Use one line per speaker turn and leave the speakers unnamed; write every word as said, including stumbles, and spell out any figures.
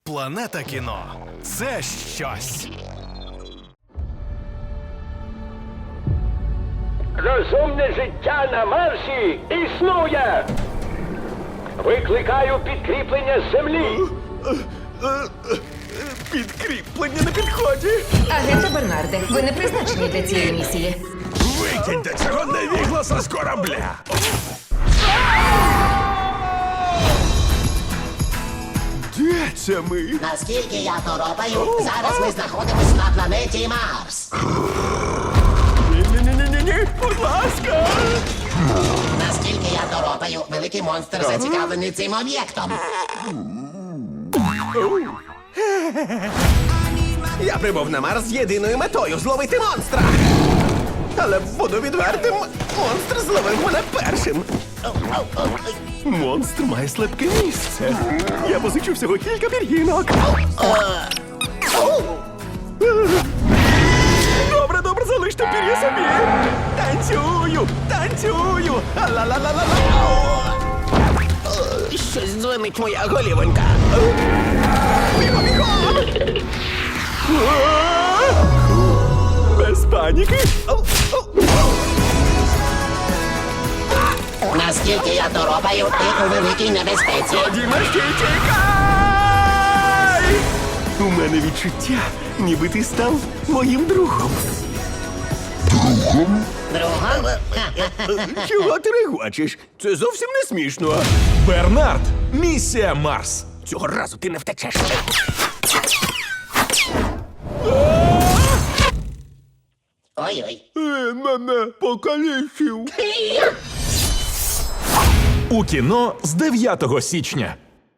Планета кіно – це щось.
Розумне життя на Марсі існує! Викликаю підкріплення з землі!
Підкріплення на підході.
Агенте Бернарде, ви не призначені для цієї місії.
Викиньте цього невігласа з корабля. Де це ми?
Наскільки я торопаю, зараз ми знаходимось на планеті Марс.
Ні-ні-ні-ні-ні, будь ласка.
Наскільки я торопаю, великий монстр зацікавлений цим об'єктом.
Я прибув на Марс з єдиною метою — зловити монстра. Але буду відвертим, монстр зловив мене першим.
Монстр має слабке місце. Я позичу всього кілька пір'їнок. Добре, добре, залиште пір'я собі. Танцюю, танцюю. Ла-ла-ла-ла-ла.
Щось дзвонить моя голівонька.
Бігом, бігом. Без паніки.
Наскільки я торопаю, ти у великій небезпеці.
Дімашки, тікай! У мене відчуття, ніби ти став моїм другом.
Другом?
Чого ти регочеш? Це зовсім не смішно.
Бернард, місія Марс.
Цього разу ти не втечеш.
Ой-ой.
Він мене покалічив.
У кіно з дев'ятого січня.